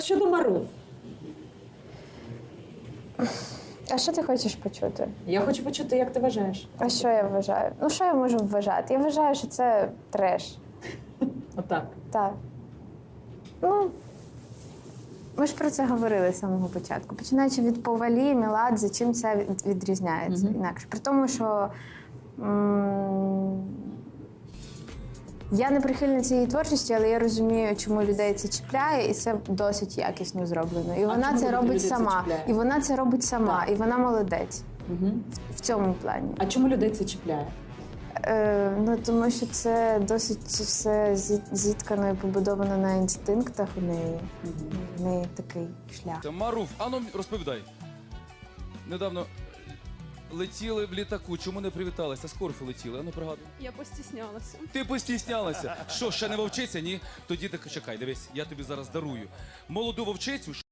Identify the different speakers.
Speaker 1: Щодо Марув.
Speaker 2: А що ти хочеш почути?
Speaker 1: Я хочу почути, як ти вважаєш.
Speaker 2: А що я вважаю? Ну, що я можу вважати? Я вважаю, що це треш.
Speaker 1: Отак.
Speaker 2: Так. Ну, ми ж про це говорили з самого початку. Починаючи від Повалі, Меладзе, чим це відрізняється інакше. При тому, що я не прихильниця її творчості, але я розумію, чому людей це чіпляє, і це досить якісно зроблено. І вона це робить сама. І вона це робить сама, і вона молодець в цьому плані.
Speaker 1: А чому людей це чіпляє?
Speaker 2: Ну, тому що це досить все зіткано і побудовано на інстинктах у неї. В неї такий шлях.
Speaker 3: Марув, ану розповідай. Недавно летіли в літаку, чому не привіталися? З Корфу летіли, ану пригадуй.
Speaker 4: Я постіснялася.
Speaker 3: Ти постіснялася. Що, ще не вовчиця? Ні? Тоді так чекай, дивись, я тобі зараз дарую молоду вовчицю.